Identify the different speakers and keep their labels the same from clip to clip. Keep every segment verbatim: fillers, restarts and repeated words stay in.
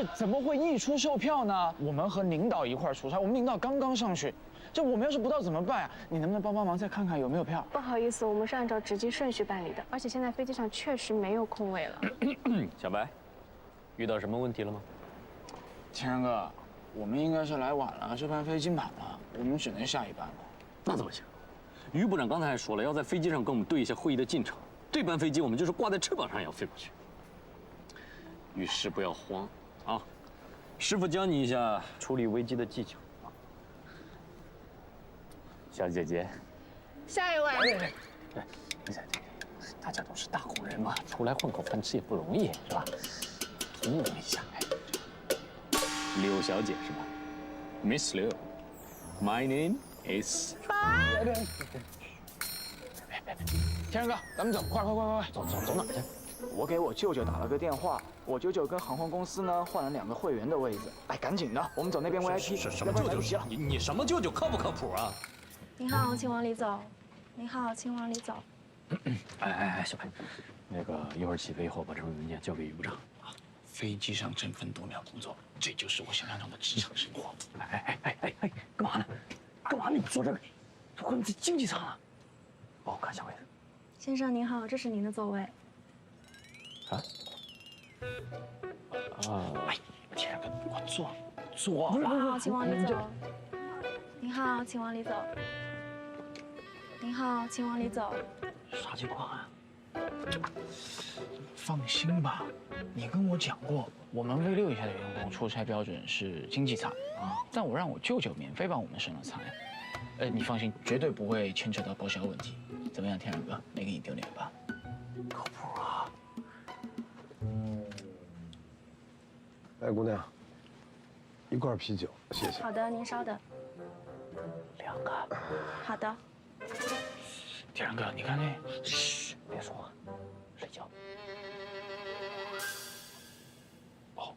Speaker 1: 这怎么会溢出售票呢？我们和领导一块儿出差，我们领导刚刚上去，这我们要是不到怎么办啊？你能不能帮帮忙，再看看有没有票？
Speaker 2: 不好意思，我们是按照值机顺序办理的，而且现在飞机上确实没有空位了。
Speaker 3: 小白，遇到什么问题了吗？
Speaker 1: 天然哥，我们应该是来晚了，这班飞机满了，我们只能下一班了。
Speaker 3: 那怎么行？于部长刚才还说了，要在飞机上跟我们对一下会议的进程。这班飞机我们就是挂在翅膀上也要飞过去。遇事不要慌啊！师傅教你一下处理危机的技巧啊。小姐姐，
Speaker 2: 下一位。
Speaker 3: 对，对，大家都是大户人嘛，出来混口饭吃也不容易，是吧？通融一下。柳小姐是吧 ？Miss Liu, my name is。别别别！
Speaker 1: 天然哥，咱们走，快快快快快，
Speaker 3: 走走走哪去？
Speaker 1: 我给我舅舅打了个电话，我舅舅跟航空公司呢换了两个会员的位置。哎，赶紧的，我们走那边 V I P，
Speaker 3: 什么舅舅？你你什么舅舅？靠不靠谱啊？
Speaker 2: 您好，请往里走。您好，请往里走。
Speaker 3: 哎哎哎，小白，那个一会儿起飞以后把这份文件交给于部长啊。
Speaker 1: 飞机上争分夺秒工作，这就是我想象中的职场生活。
Speaker 3: 哎哎哎哎哎，干嘛呢？干嘛呢？你坐这个？我们在经济舱啊。帮我看下位置。
Speaker 2: 先生您好，这是您的座位。
Speaker 3: 啊？啊！
Speaker 1: 哎，天然哥，我坐坐。
Speaker 2: 您好，请往里走。您好，请往里走。您好，请往里走。
Speaker 3: 啥情况啊？
Speaker 1: 放心吧，你跟我讲过，我们 V 六以下的员工出差标准是经济舱啊，但我让我舅舅免费帮我们升了舱。呃，你放心，绝对不会牵扯到报销问题。怎么样，天然哥，没给你丢脸吧？
Speaker 3: 靠谱啊！
Speaker 4: 来，姑娘，一罐啤酒，谢谢。
Speaker 2: 好的，您稍等。
Speaker 3: 两个。
Speaker 2: 好的。
Speaker 1: 天然哥，你看那……
Speaker 3: 嘘，别说话，睡觉。哦。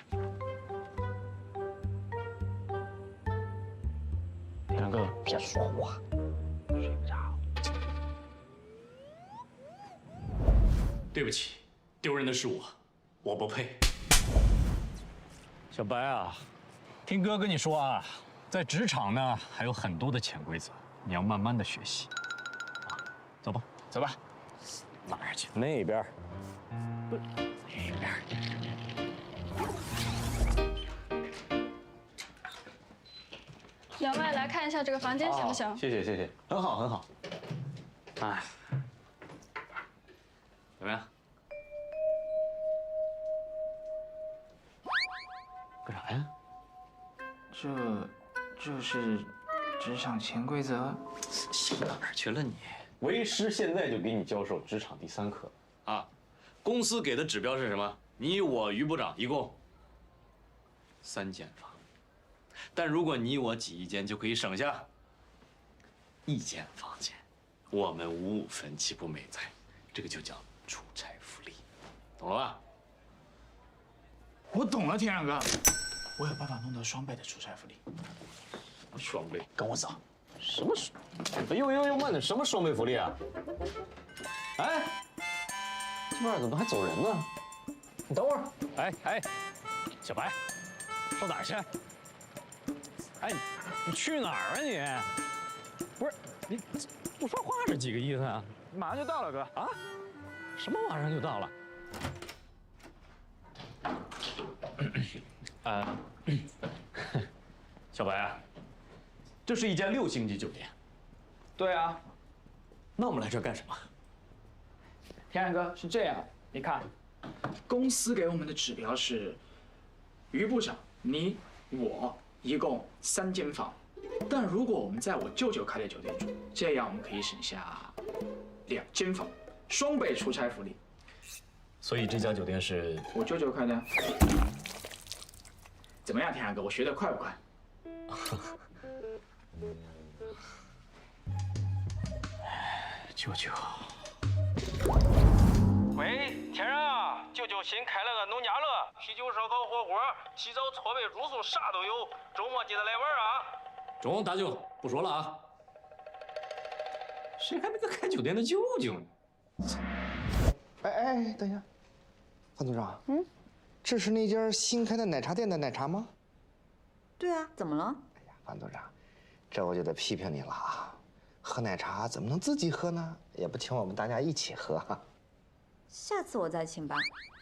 Speaker 3: 天然哥，别说话，睡不着。对不起，丢人的是我，我不配。小白啊，听哥跟你说啊，在职场呢还有很多的潜规则，你要慢慢的学习。啊，走吧，走吧。哪儿去？那边。不，那边。
Speaker 2: 两位来看一下这个房间行不行？
Speaker 3: 哦、谢谢谢谢，很好很好。哎，怎么样？干啥呀？
Speaker 1: 这，这是职场潜规则。
Speaker 3: 想到哪儿去了你？为师现在就给你教授职场第三课啊！公司给的指标是什么？你我于部长一共三间房，但如果你我挤一间，就可以省下一间房间。我们五五分，岂不美哉？这个就叫出差福利，懂了吧？
Speaker 1: 我懂了，天然哥，我有办法弄到双倍的出差福利。
Speaker 3: 双倍，
Speaker 1: 跟我走。
Speaker 3: 什么双？呦呦呦，慢点，什么双倍福利啊？哎，这边怎么还走人呢？你等会儿。哎哎，小白，上哪儿去？哎，你去哪儿啊你？不是你不说话是几个意思啊？
Speaker 1: 马上就到了，哥。
Speaker 3: 啊？什么马上就到了？啊，小白啊，这是一家六星级酒店。
Speaker 1: 对啊。
Speaker 3: 那我们来这儿干什么？
Speaker 1: 天然哥，是这样，你看，公司给我们的指标是，于部长，你我一共三间房，但如果我们在我舅舅开的酒店住，这样我们可以省下两间房，双倍出差福利。
Speaker 3: 所以这家酒店是
Speaker 1: 我舅舅开的。怎么样，天然哥，我学得快不快？舅舅。
Speaker 5: 喂，天然啊，舅舅新开了个农家乐，啤酒、烧烤、火锅，洗澡、搓背、住宿啥都有，周末记得来玩啊！
Speaker 3: 中，大舅不说了啊。谁还没个开酒店的舅舅呢？
Speaker 4: 哎哎，等一下，范组长，嗯，
Speaker 6: 这是那家新开的奶茶店的奶茶吗？
Speaker 7: 对啊，怎么了？
Speaker 6: 哎呀，樊组长，这我就得批评你了啊！喝奶茶怎么能自己喝呢？也不请我们大家一起喝。
Speaker 7: 下次我再请吧。